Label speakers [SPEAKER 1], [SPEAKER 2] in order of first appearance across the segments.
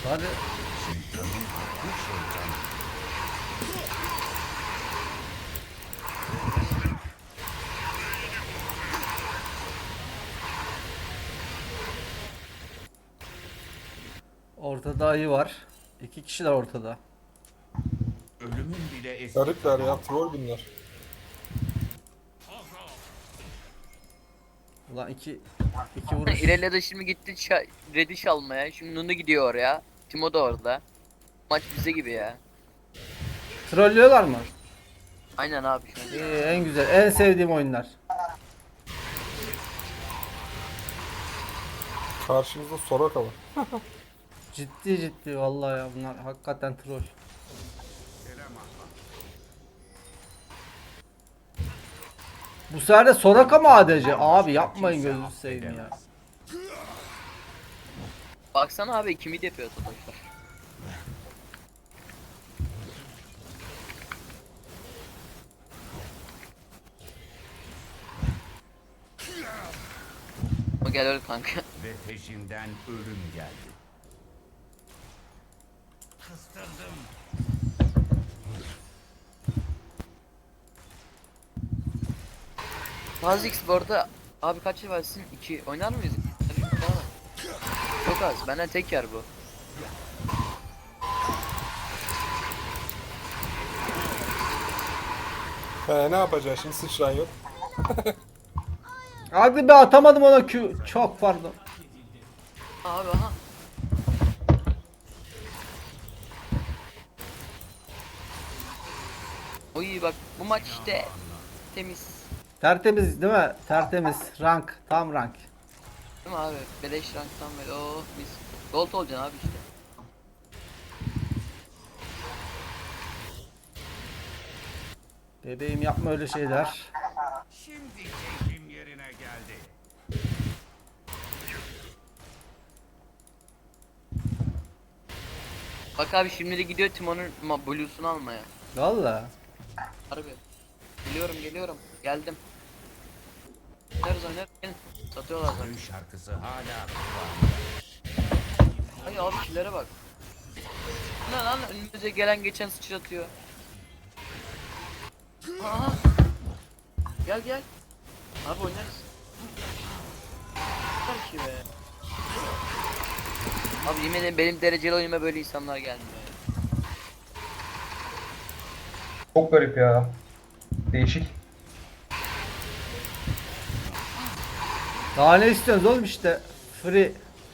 [SPEAKER 1] Hadi. Ortada ayı var. İki kişiler ortada.
[SPEAKER 2] Ölümün bile eski.
[SPEAKER 3] Garipler ya, troll bunlar.
[SPEAKER 1] Ulan iki vuruş.
[SPEAKER 4] İrelia da şimdi gitti Reddish almaya. Şimdi Nunu gidiyor oraya. Timo da orada. Maç bize gibi ya.
[SPEAKER 1] Trollüyorlar mı?
[SPEAKER 4] Aynen abi şu an.
[SPEAKER 1] İyi, en güzel, en sevdiğim oyunlar.
[SPEAKER 3] Karşımızda Soraka var.
[SPEAKER 1] Ciddi ciddi vallahi ya, bunlar hakikaten troll. Bu sefer de Soraka mı ADC? Abi yapmayın, gözünü seveyim ya.
[SPEAKER 4] Baksana abi kimi yapıyor Satoşlar. O gel öl kanka.
[SPEAKER 2] Ve peşinden ölüm geldi. Kıstırdım.
[SPEAKER 4] Fazlix bu arada abi kaç yıl versin? 2 oynar mıyız? Çok az. Benden tek yer bu.
[SPEAKER 3] Ne yapacağız şimdi, sıçran yok.
[SPEAKER 1] Hadi be, atamadım ona Q. Çok pardon.
[SPEAKER 4] Abi aha. Oy bak bu maç işte temiz.
[SPEAKER 1] Tertemiz değil mi? Tertemiz. Rank. Tam rank.
[SPEAKER 4] Değil mi abi? Beleş ranktan böyle oh mis. Gold olacaksın abi işte.
[SPEAKER 1] Bebeğim yapma öyle şeyler.
[SPEAKER 2] Şimdi keyfim yerine geldi.
[SPEAKER 4] Bak abi şimdi de gidiyor Timon'un Blue'sunu almaya.
[SPEAKER 1] Valla.
[SPEAKER 4] Harbi. Geliyorum. Geldim. Oynarız. Gelin. Satıyorlar zaten.
[SPEAKER 2] Ölüm şarkısı hala
[SPEAKER 4] Ay abi killere bak. Ne lan önümüze gelen geçen sıçratıyor. Aha. Gel. Abi oynarız. Var ki be. Abi yemin ederim benim dereceli oyunuma böyle insanlar gelmiyor.
[SPEAKER 5] Çok garip ya. Değişik.
[SPEAKER 1] Daha ne istiyorsunuz oğlum işte. Free.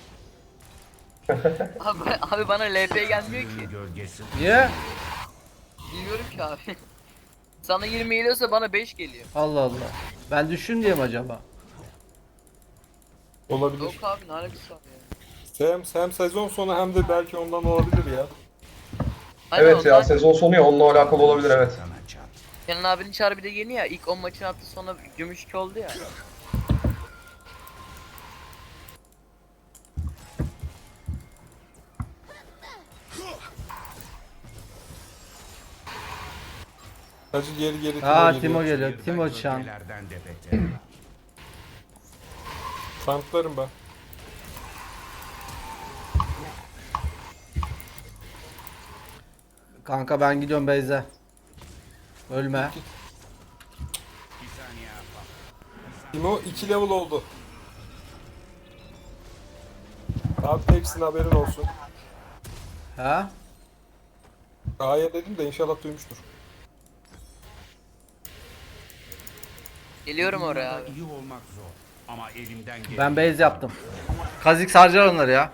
[SPEAKER 4] Abi bana LP gelmiyor ki.
[SPEAKER 2] ölüm gölgesi.
[SPEAKER 1] Niye?
[SPEAKER 4] Bilmiyorum ki abi. Sana 20 geliyorsa bana 5 geliyor.
[SPEAKER 1] Allah Allah. Ben düşün diye mi acaba?
[SPEAKER 3] Olabilir.
[SPEAKER 4] Yok abi ne alakası var ya.
[SPEAKER 3] Hem sezon sonu hem de belki ondan olabilir ya.
[SPEAKER 4] Aynen
[SPEAKER 5] Evet ya,
[SPEAKER 4] ondan
[SPEAKER 5] sezon sonu ya, onunla alakalı olabilir, evet.
[SPEAKER 2] Sana çat.
[SPEAKER 4] Kenan abinin çağrı bir de yeni ya. İlk 10 maçın attı sonra gümüş 2 oldu ya.
[SPEAKER 3] Hacı geri
[SPEAKER 1] Aa,
[SPEAKER 3] Timo
[SPEAKER 1] Timo
[SPEAKER 3] geliyor.
[SPEAKER 1] geliyor. Timo Chan.
[SPEAKER 2] Gölgelerden de beter.
[SPEAKER 3] Tanklarım ben.
[SPEAKER 1] Kanka ben gidiyorum Beyze. Ölme.
[SPEAKER 2] Bir saniye yapalım.
[SPEAKER 3] Timo 2 level oldu. Abi teksin, haberin olsun.
[SPEAKER 1] Ha?
[SPEAKER 3] A'ya dedim de inşallah duymuştur.
[SPEAKER 4] Geliyorum oraya abi.
[SPEAKER 2] İyi olmak zor. Ama elimden gelen.
[SPEAKER 1] Ben base yaptım. Kazik harcar onları ya.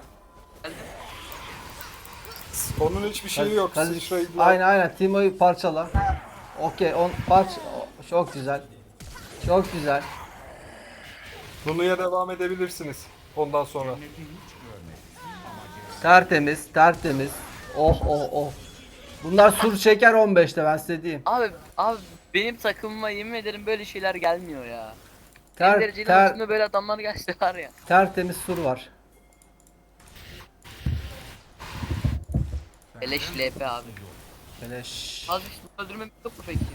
[SPEAKER 3] Onun hiçbir şeyi yok.
[SPEAKER 1] Kazik-
[SPEAKER 3] Sıçrayı
[SPEAKER 1] Aynen Timo'yu parçala. Okey, çok güzel. Çok güzel.
[SPEAKER 3] Nunu'ya devam edebilirsiniz ondan sonra.
[SPEAKER 1] Tertemiz. Oh. Bunlar sur çeker 15'te, ben size diyeyim.
[SPEAKER 4] Abi benim takımıma yemin ederim böyle şeyler gelmiyor ya.
[SPEAKER 1] Ter,
[SPEAKER 4] Benim dereceli
[SPEAKER 1] ter,
[SPEAKER 4] maçımda böyle adamlar gelse var ya.
[SPEAKER 1] tertemiz sur var.
[SPEAKER 4] Beleş LP abi.
[SPEAKER 1] Beleş.
[SPEAKER 4] Az bir öldürmem yok mu peki ya?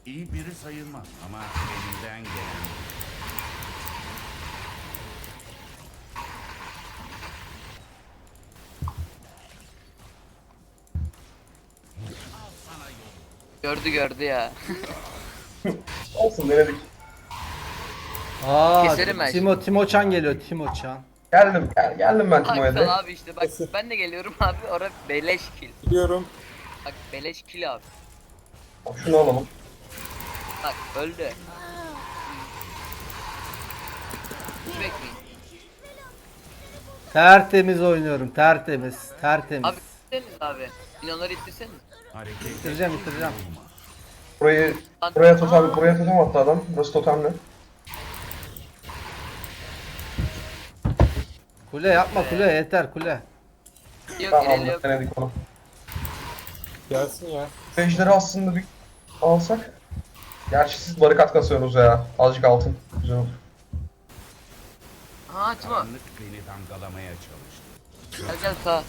[SPEAKER 2] İyi biri sayılmaz ama elimden gelen.
[SPEAKER 4] Gördü ya.
[SPEAKER 5] Olsun denedik.
[SPEAKER 1] Aa,
[SPEAKER 4] Keserim ben
[SPEAKER 1] Timo Chan geliyor, Timo Chan.
[SPEAKER 5] Geldim ben Timo'ya
[SPEAKER 4] Hakan
[SPEAKER 5] de.
[SPEAKER 4] abi işte bak ben de geliyorum abi orada beleş kill.
[SPEAKER 3] Biliyorum.
[SPEAKER 4] Bak beleş kill abi.
[SPEAKER 5] Şunu alalım.
[SPEAKER 4] Bak öldü. Hiç bekleyin.
[SPEAKER 1] Tertemiz oynuyorum, tertemiz.
[SPEAKER 4] Abi ittirseniz abi. Minyonları ittirseniz.
[SPEAKER 2] Hareket
[SPEAKER 1] Bitireceğim.
[SPEAKER 5] Buraya totem attı adam. Burası totemli.
[SPEAKER 1] Kule yapma, kule yeter, kule.
[SPEAKER 4] Yok
[SPEAKER 5] Tamam
[SPEAKER 4] ileri yok.
[SPEAKER 5] denedik onu.
[SPEAKER 3] Gelsin ya.
[SPEAKER 5] Ejderi aslında bir alsak. Gerçi siz barikat kasıyorsunuz ya. Azıcık altın. Güzel olur.
[SPEAKER 4] Ha Timo.
[SPEAKER 2] karanlık beni damgalamaya çalıştı.
[SPEAKER 4] Gel sağ.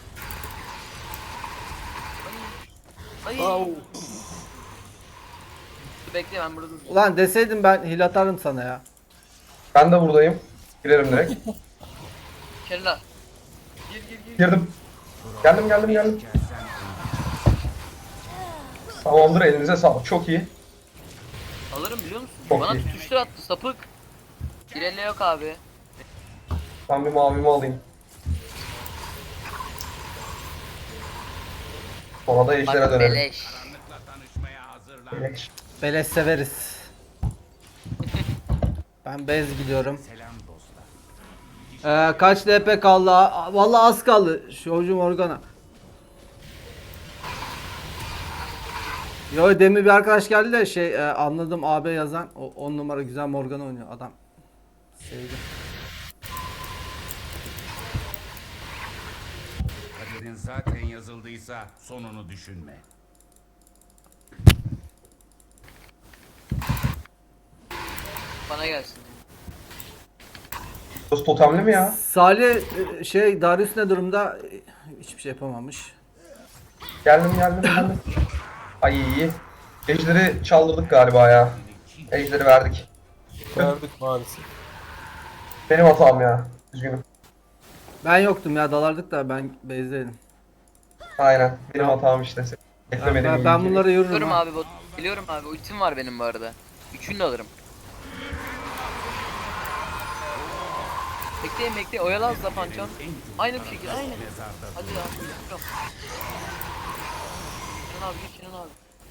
[SPEAKER 4] Ay.
[SPEAKER 3] Au.
[SPEAKER 4] Bekle ben burada.
[SPEAKER 1] Ulan deseydim ben hil atarım sana ya.
[SPEAKER 5] Ben de buradayım. Girerim direkt.
[SPEAKER 4] Kella. Gir.
[SPEAKER 5] Girdim. Geldim. Tamamdır, elinize sağlık. Çok iyi.
[SPEAKER 4] Alırım biliyor musun?
[SPEAKER 5] Çok
[SPEAKER 4] Bana
[SPEAKER 5] iyi.
[SPEAKER 4] tutuştur attı sapık. Girelle yok abi.
[SPEAKER 5] Ben bir mavimi alayım. Sonra da ejdere
[SPEAKER 4] Bak
[SPEAKER 5] dönelim.
[SPEAKER 4] beleş.
[SPEAKER 2] Karanlıkla tanışmaya hazırlan.
[SPEAKER 5] Beleş.
[SPEAKER 1] Beleş severiz. Ben bez gidiyorum.
[SPEAKER 2] Selam dostlar.
[SPEAKER 1] Kaç LP kaldı? Vallahi az kaldı. Şovcu Morgana. Yo demin bir arkadaş geldi de anladım AB yazan. O 10 numara güzel Morgana oynuyor adam. Sevdim.
[SPEAKER 2] Kaderin zaten yazıldıysa sonunu düşünme.
[SPEAKER 4] Bana gelsin.
[SPEAKER 5] Burası totemli mi ya?
[SPEAKER 1] Salih Darius ne durumda? Hiçbir şey yapamamış.
[SPEAKER 5] Geldim. Ay iyi. Ejderi çaldırdık galiba ya. Ejderi verdik.
[SPEAKER 3] Verdik maalesef.
[SPEAKER 5] Benim hatam ya. Üzgünüm.
[SPEAKER 1] Ben yoktum ya, dalardık da ben base'deydim.
[SPEAKER 5] Aynen. Benim hatam işte. Beklemedim.
[SPEAKER 1] Ben bunları yürürüm.
[SPEAKER 4] Biliyorum
[SPEAKER 1] ha.
[SPEAKER 4] abi bot. Biliyorum abi ultim var benim bu arada. Üçünü de alırım. Bekleyin oyalan Zapancan. Aynı bir şekilde aynı. Hadi ya. Çıkıyorum. Kenan abi git Kenan abi.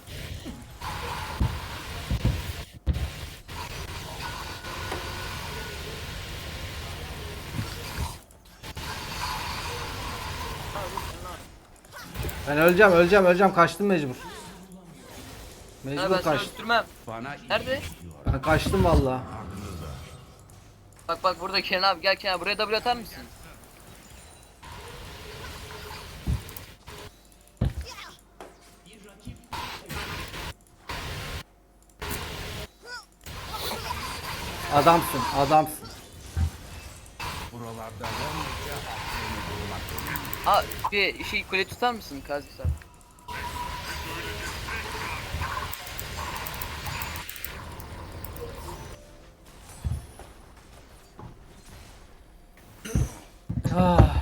[SPEAKER 1] Ben öleceğim, kaçtım mecbur.
[SPEAKER 4] Ben
[SPEAKER 1] Mecbur
[SPEAKER 4] seni
[SPEAKER 1] kaçtım.
[SPEAKER 4] öldürmem.
[SPEAKER 2] Bana
[SPEAKER 4] Nerede?
[SPEAKER 1] Ben kaçtım valla.
[SPEAKER 4] Bak burada Kenan abi gel Kenan buraya W atar mısın?
[SPEAKER 1] Adamsın.
[SPEAKER 2] buralarda yalnızca seni bulmak.
[SPEAKER 4] Aa bir şey kule tutar mısın Kazisar?
[SPEAKER 1] Ah,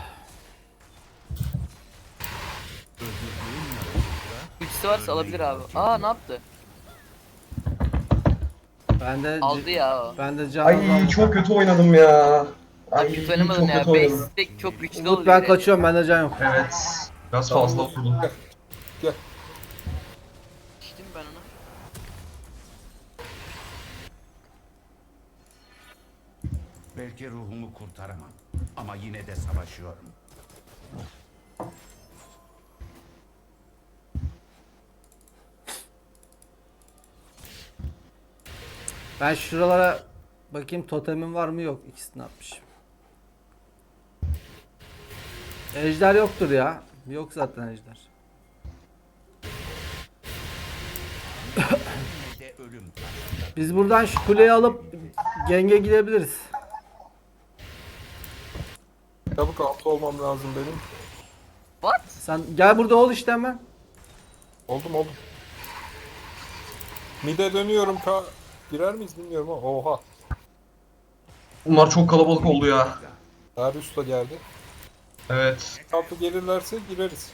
[SPEAKER 4] Ultisi varsa alabilir abi. Aa ne yaptı? Aldı ya o.
[SPEAKER 1] Ben de can
[SPEAKER 5] Ay
[SPEAKER 1] almam.
[SPEAKER 5] çok kötü oynadım ya. Ay
[SPEAKER 4] Kötü
[SPEAKER 5] çok
[SPEAKER 4] oynamadın ya.
[SPEAKER 5] kötü oynadım.
[SPEAKER 4] Base stack çok güçlü
[SPEAKER 1] Umut
[SPEAKER 4] oluyor.
[SPEAKER 1] ben kaçıyorum, bende can yok.
[SPEAKER 5] Evet. Biraz fazla oldu.
[SPEAKER 3] Gel.
[SPEAKER 4] İçtim ben onu.
[SPEAKER 2] Belki ruhumu kurtaramam ama yine de savaşıyorum.
[SPEAKER 1] Ben şuralara bakayım, totemim var mı, yok. İkisini atmışım. Ejder yoktur ya. Yok zaten ejder.
[SPEAKER 2] Yine de ölüm karşımda.
[SPEAKER 1] Biz buradan şu kuleyi alıp genge gidebiliriz.
[SPEAKER 3] Çabuk altı olmam lazım benim.
[SPEAKER 4] What?
[SPEAKER 1] Sen gel burada ol işte hemen.
[SPEAKER 3] Oldum. Mide dönüyorum Girer miyiz bilmiyorum ama oha.
[SPEAKER 5] Bunlar çok kalabalık oldu ya.
[SPEAKER 3] Darius da geldi.
[SPEAKER 5] Evet.
[SPEAKER 3] Kapı gelirlerse gireriz.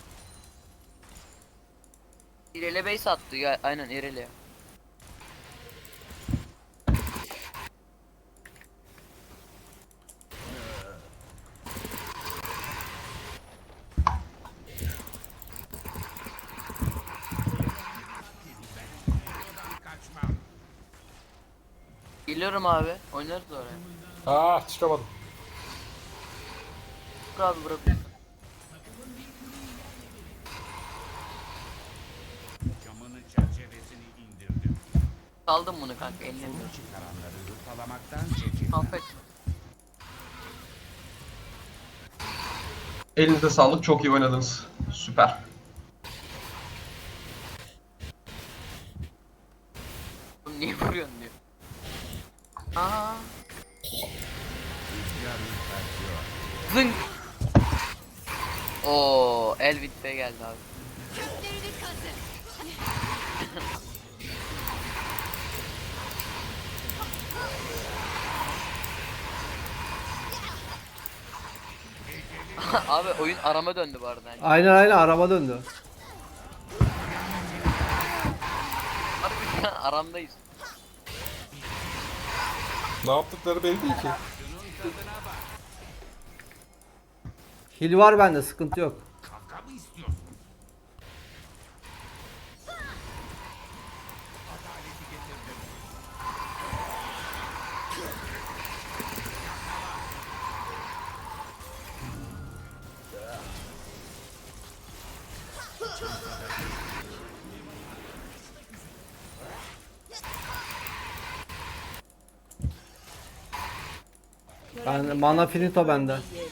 [SPEAKER 4] İrele base attı ya. Aynen İrele. Geliyorum abi. Oynarız oraya.
[SPEAKER 3] Çıkamadım.
[SPEAKER 4] Dur abi bırak.
[SPEAKER 2] Camının çerçevesini indirdim.
[SPEAKER 4] Saldım bunu kanka eline.
[SPEAKER 2] Çıkaranları hırpalamaktan çekin.
[SPEAKER 4] Affet.
[SPEAKER 5] Elinize sağlık. Çok iyi oynadınız. Süper.
[SPEAKER 4] Oğlum niye vuruyorsun diyor. Aa.
[SPEAKER 2] Rüzgar ürpertiyor.
[SPEAKER 4] Zınk. Oo, Elvin Bey geldi abi. Abi oyun arama döndü bu arada.
[SPEAKER 1] Aynen araba döndü.
[SPEAKER 4] Abi şu an aramdayız.
[SPEAKER 3] Ne yaptıkları belli değil ki.
[SPEAKER 1] Hil var bende, sıkıntı yok.
[SPEAKER 2] Kavga mı istiyorsun? Adaleti getirdim.
[SPEAKER 1] Ben mana finito bende.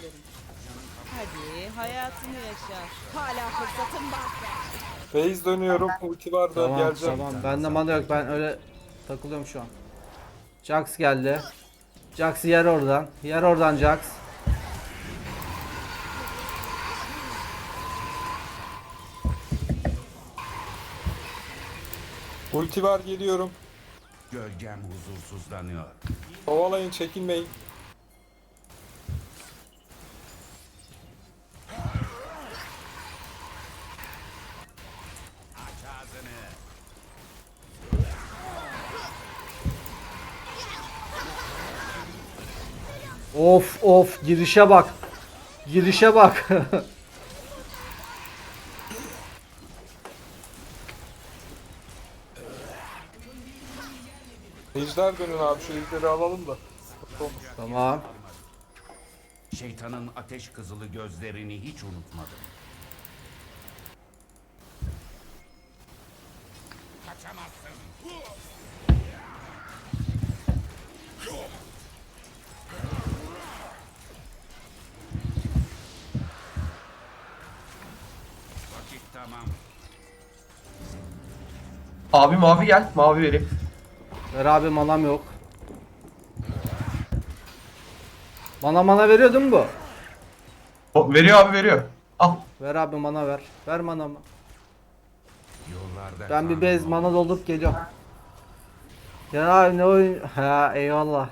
[SPEAKER 6] Hadi hayatını yaşa. Hala fırsatın var.
[SPEAKER 3] Phase dönüyorum. Ulti var da
[SPEAKER 1] Tamam
[SPEAKER 3] geleceğim.
[SPEAKER 1] tamam. Bende mana yok. Ben öyle takılıyorum şu an. Jax geldi. Jax'ı yer oradan. Yer oradan Jax.
[SPEAKER 3] Ulti var geliyorum.
[SPEAKER 2] Gölgem huzursuzlanıyor.
[SPEAKER 3] Kovalayın çekinmeyin.
[SPEAKER 2] Aç ağzını.
[SPEAKER 1] Of of, girişe bak. Girişe bak.
[SPEAKER 3] Ejder dönün abi şu ejderi alalım da.
[SPEAKER 1] Tamam.
[SPEAKER 2] Şeytanın ateş kızılı gözlerini hiç unutmadım. Kaçamazsın. Vakit tamam.
[SPEAKER 5] Abi mavi gel. Mavi vereyim.
[SPEAKER 1] Ver abi, manam yok. Mana veriyor değil mi bu?
[SPEAKER 5] Veriyor abi veriyor. Al.
[SPEAKER 1] Ver abi, mana ver. Ver manamı.
[SPEAKER 2] Yollarda
[SPEAKER 1] Ben bir
[SPEAKER 2] kan
[SPEAKER 1] bez
[SPEAKER 2] oldu.
[SPEAKER 1] mana doldurup geliyorum. Ya abi ne oyun? Ha eyvallah.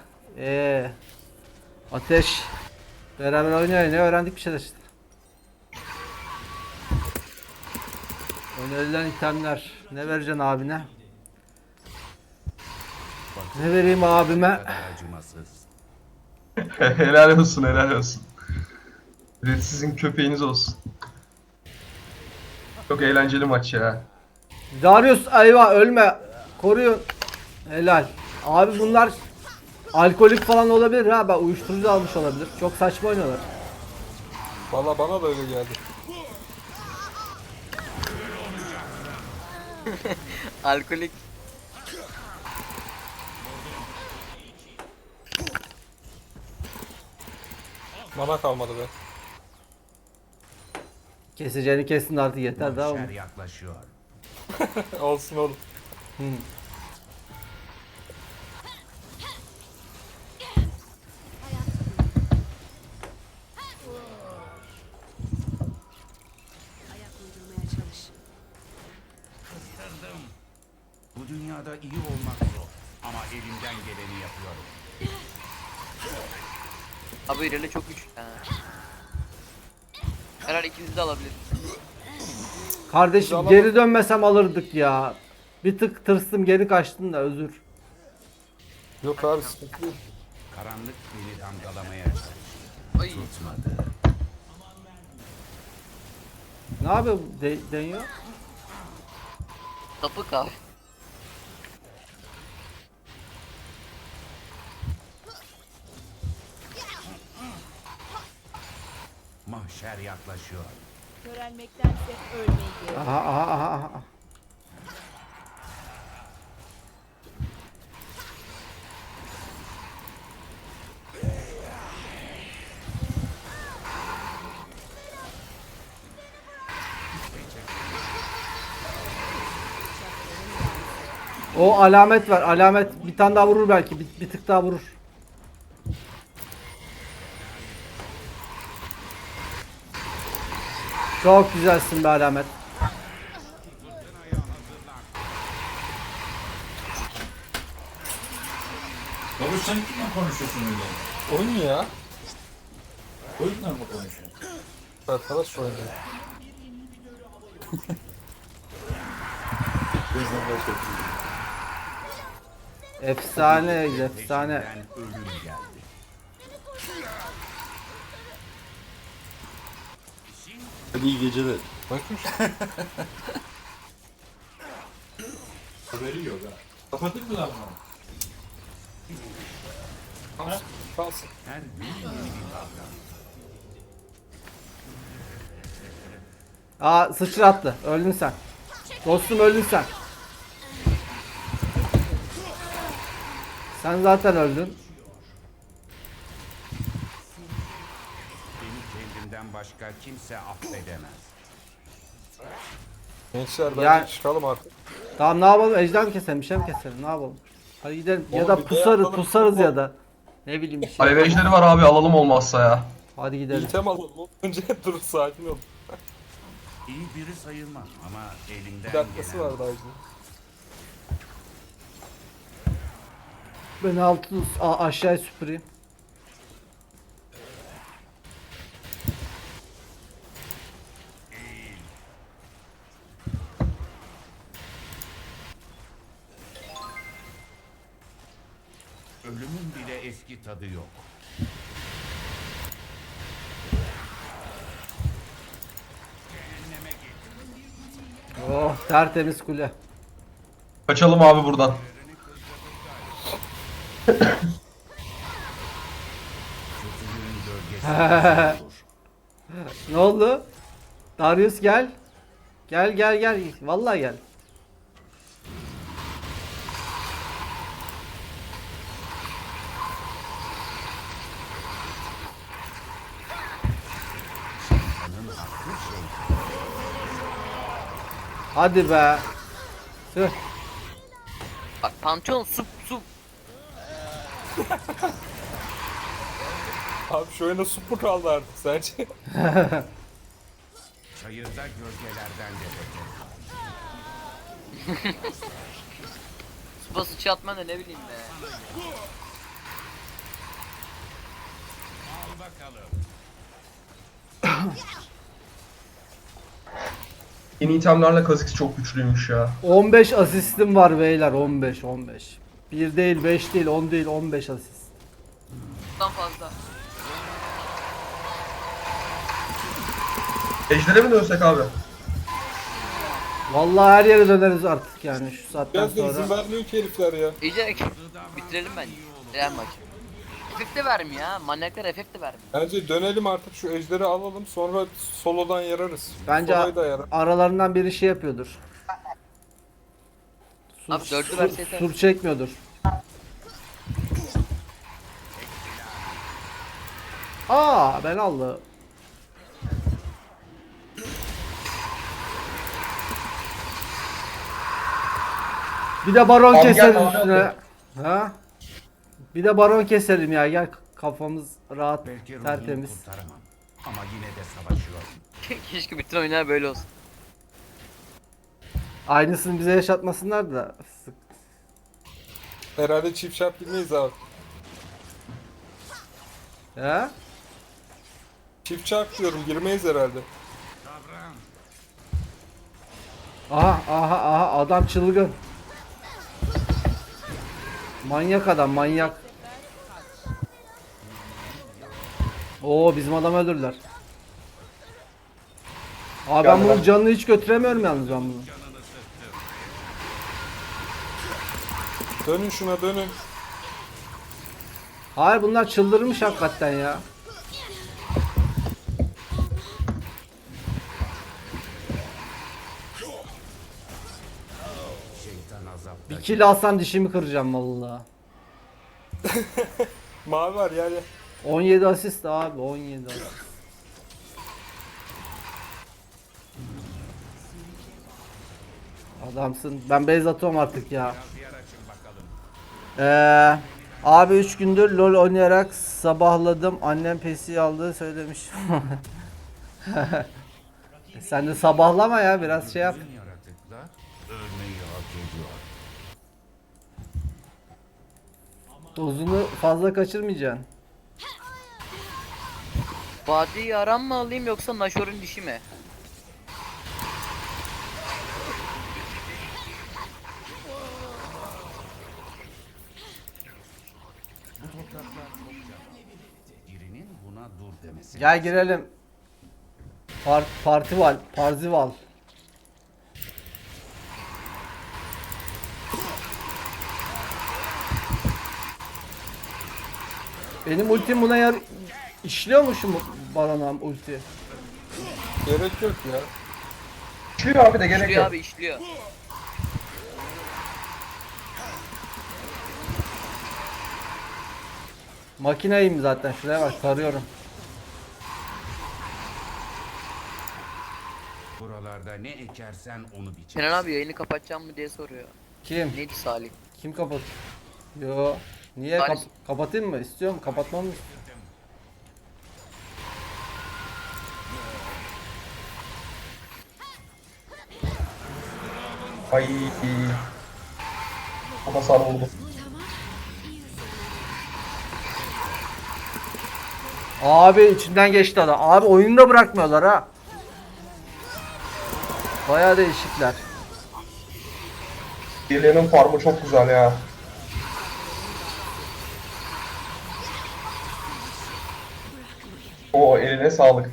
[SPEAKER 1] Ateş. Beraber oynuyor, ne öğrendik bir şeyler işte. Önerilen itemler. Ne vereceksin abine? Ne vereyim abime?
[SPEAKER 2] Bu kadar acımasız.
[SPEAKER 5] Helal olsun helal olsun. Red sizin köpeğiniz olsun. Çok eğlenceli maç ya.
[SPEAKER 1] Darius ayva ölme. Koruyun. Helal. Abi bunlar alkolik falan olabilir ha. Ben uyuşturucu almış olabilir. Çok saçma oynuyorlar.
[SPEAKER 3] Valla bana da öyle geldi.
[SPEAKER 4] Alkolik.
[SPEAKER 3] Mana kalmadı be.
[SPEAKER 1] Keseceğini kesin artık, yeter daha
[SPEAKER 2] Mahşer
[SPEAKER 1] mı?
[SPEAKER 2] yaklaşıyor.
[SPEAKER 3] Olsun oğlum.
[SPEAKER 2] Bu dünyada karşısında iyi olmak zor. Ama elimden geleni yapıyorum.
[SPEAKER 4] Abi İreli çok güçlü. Ha. Herhalde ikimiz de alabilir.
[SPEAKER 1] Kardeşim
[SPEAKER 3] Biz
[SPEAKER 1] geri dönmesem alırdık ya. Bir tık tırstım geri kaçtım da özür.
[SPEAKER 3] Yok abi sıkıntı değil.
[SPEAKER 2] Karanlık beni damgalamaya
[SPEAKER 4] Ay.
[SPEAKER 2] tutmadı.
[SPEAKER 1] Ne yapıyor deniyor?
[SPEAKER 4] Sapık abi.
[SPEAKER 2] Mahşer yaklaşıyor.
[SPEAKER 6] Körelmektense ölmeyi.
[SPEAKER 1] Aha aha aha aha. O alamet var. Alamet bir tane daha vurur belki. Bir tık daha vurur. Çok güzelsin be alamet.
[SPEAKER 7] Baba sen kimle konuşuyorsun öyle?
[SPEAKER 3] Oyun ya.
[SPEAKER 7] Oyunla mı konuşuyorsun?
[SPEAKER 3] Arkadaş oynuyor.
[SPEAKER 7] Bizden başka bir şey.
[SPEAKER 1] Efsane, efsane.
[SPEAKER 2] Peşimden ölüm geldi.
[SPEAKER 7] Hadi iyi geceler.
[SPEAKER 3] Bakmış.
[SPEAKER 7] Haberi yok ha. Kapatır mı lan bunu?
[SPEAKER 3] Kalsın.
[SPEAKER 2] Her gün yeni bir kavga.
[SPEAKER 1] Aa sıçrattı. Öldün sen. Dostum öldün sen. Sen zaten öldün.
[SPEAKER 2] Beni kendimden başka kimse affedemez.
[SPEAKER 3] Gençler bence
[SPEAKER 1] Yani-
[SPEAKER 3] çıkalım artık.
[SPEAKER 1] Tamam ne yapalım? Ejder mi keselim? Bir şey mi keselim? Ne yapalım? Hadi gidelim. Ya
[SPEAKER 3] Oğlum
[SPEAKER 1] da
[SPEAKER 3] bir de
[SPEAKER 1] pusarız,
[SPEAKER 3] yapalım.
[SPEAKER 1] pusarız ya da. Ne bileyim bir şey.
[SPEAKER 5] Alev ejderi var abi, alalım olmazsa ya.
[SPEAKER 1] Hadi gidelim.
[SPEAKER 3] İtem alalım. Önce dur sakin ol.
[SPEAKER 2] İyi biri sayılmam ama elimden
[SPEAKER 3] Bir dakikası
[SPEAKER 2] gelen
[SPEAKER 3] var daha önce.
[SPEAKER 1] Ben altı aşağıya süpüreyim.
[SPEAKER 2] ölümün bile eski tadı yok.
[SPEAKER 1] Oh tertemiz kule.
[SPEAKER 5] Kaçalım abi buradan.
[SPEAKER 2] Kötülüğün gölgesi olur.
[SPEAKER 1] Ne oldu? Darius gel. Gel gel gel. Vallahi gel. Hadi be. Tüh.
[SPEAKER 4] Bak Pantheon sup.
[SPEAKER 3] Abi şu oyunda super kaldı artık sence?
[SPEAKER 2] Çayırda gölgelerden de beter.
[SPEAKER 4] Supa sıçı atman da ne bileyim be.
[SPEAKER 2] Al bakalım.
[SPEAKER 5] Yeni itemlerle Kha'Zix çok güçlüymüş ya.
[SPEAKER 1] 15 asistim var beyler. 15. 1 değil, 5 değil, 10 değil, 15 asist.
[SPEAKER 4] Bundan fazla.
[SPEAKER 5] Ejder'e mi dönsek abi?
[SPEAKER 1] Vallahi her yere döneriz artık yani şu saatten
[SPEAKER 3] Biraz da izin
[SPEAKER 1] sonra.
[SPEAKER 3] vermiyor ki herifler ya.
[SPEAKER 4] İyice bitirelim bence. Real maç. FF de vermiyor ya. Manyaklar FF de vermiyor.
[SPEAKER 3] Bence dönelim artık şu ejderi alalım sonra solodan yararız.
[SPEAKER 1] Bence
[SPEAKER 3] Soloyu da yarar.
[SPEAKER 1] aralarından biri şey yapıyordur.
[SPEAKER 4] Abi dördü verse yeter.
[SPEAKER 1] Sur çekmiyordur. Aa ben aldı. Bir de baron
[SPEAKER 5] Abi
[SPEAKER 1] keseriz
[SPEAKER 5] gel, abi,
[SPEAKER 1] üstüne. Ha? Bir de baron keselim ya gel kafamız rahat
[SPEAKER 2] Belki ruhumu
[SPEAKER 1] tertemiz.
[SPEAKER 2] kurtaramam. Ama yine de savaşıyorum.
[SPEAKER 4] Keşke bütün oyunlar böyle olsun.
[SPEAKER 1] Aynısını bize yaşatmasınlar da.
[SPEAKER 3] Herhalde çift şart girmeyiz abi.
[SPEAKER 1] He?
[SPEAKER 3] Çift çarp diyorum, girmeyiz herhalde.
[SPEAKER 1] Aha adam çılgın. Manyak adam manyak. Oo bizim adam öldürdüler. Abi ben bunun canını hiç götüremiyorum yalnız ben bunu.
[SPEAKER 3] Dönün şuna, dönün.
[SPEAKER 1] Hayır bunlar çıldırmış hakikaten ya.
[SPEAKER 2] Şeytan azapta.
[SPEAKER 1] Bir kill alsam dişimi kıracağım vallahi.
[SPEAKER 3] Mavi var yani.
[SPEAKER 1] 17 asist abi 17 asist. Adamsın. Ben base atıyorum artık ya. Abi 3 gündür LoL oynayarak sabahladım. Annem PC aldığı söylemiş. Sen de sabahlama ya biraz şey yap.
[SPEAKER 2] Bütün yaratıklar ölmeyi hak ediyor.
[SPEAKER 1] Dozunu fazla kaçırmayacaksın.
[SPEAKER 4] Vadi yaran mı alayım yoksa Nashor'un dişi mi?
[SPEAKER 2] Birinin buna dur demesi.
[SPEAKER 1] Gel girelim. Partival, Parzival. Benim ultim buna işliyor mu şu Baron'am ulti?
[SPEAKER 3] Gerek yok ya.
[SPEAKER 5] İşliyor abi de gerek
[SPEAKER 4] İşliyor
[SPEAKER 5] yok.
[SPEAKER 4] abi işliyor.
[SPEAKER 1] Makineyim zaten şuraya bak tarıyorum.
[SPEAKER 2] Buralarda ne ekersen onu biçersin.
[SPEAKER 4] Kenan abi yayını kapatacağım mı diye soruyor.
[SPEAKER 1] Kim?
[SPEAKER 4] Neydi Salih?
[SPEAKER 1] Kim kapat? Yo. Niye
[SPEAKER 4] Salih.
[SPEAKER 1] kapatayım mı? İstiyorum kapatmam mı?
[SPEAKER 5] Ay. Ama sarı oldu.
[SPEAKER 1] Abi içinden geçti adam. Abi oyunu da bırakmıyorlar ha. Bayağı değişikler.
[SPEAKER 5] Birilerinin farmı çok güzel ya. O eline sağlık.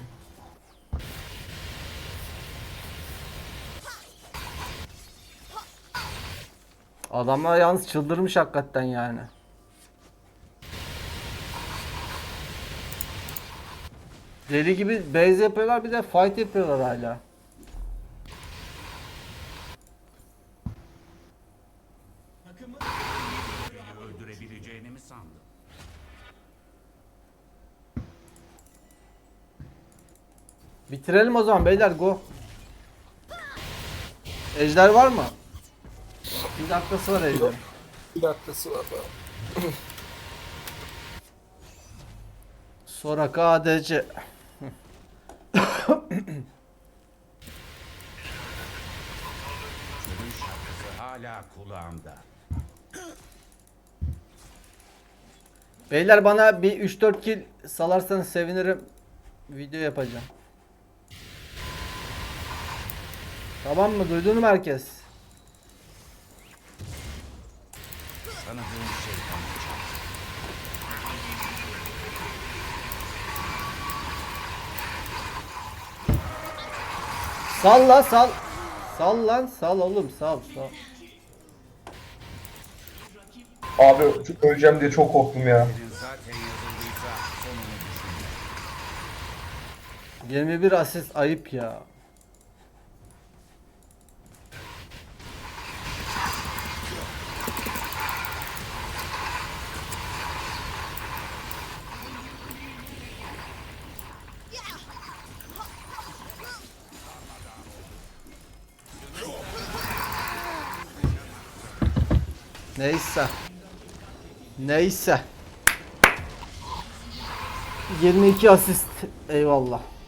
[SPEAKER 1] Adamlar yalnız çıldırmış hakikaten yani. Deli gibi base yapıyorlar bir de fight yapıyorlar hala.
[SPEAKER 2] Beni öldürebileceğini mi sandın?
[SPEAKER 1] Bitirelim o zaman beyler go. Ejder var mı? Bir dakikası var ejder.
[SPEAKER 3] Bir dakikası var daha.
[SPEAKER 1] Soraka ADC.
[SPEAKER 2] Ölüm şarkısı hala kulağımda.
[SPEAKER 1] Beyler bana bir 3-4 kill salarsanız sevinirim. Video yapacağım. Tamam mı? Duydun mu herkes?
[SPEAKER 2] Tanıdığım şeytan uçar.
[SPEAKER 1] Sal la sal. Sal lan sal oğlum sal sal.
[SPEAKER 5] Abi öleceğim diye çok korktum ya.
[SPEAKER 2] Senin zaten yazıldıysa sonunu düşün.
[SPEAKER 1] 21 asist ayıp ya. Neyse. Neyse. 22 asist. Eyvallah.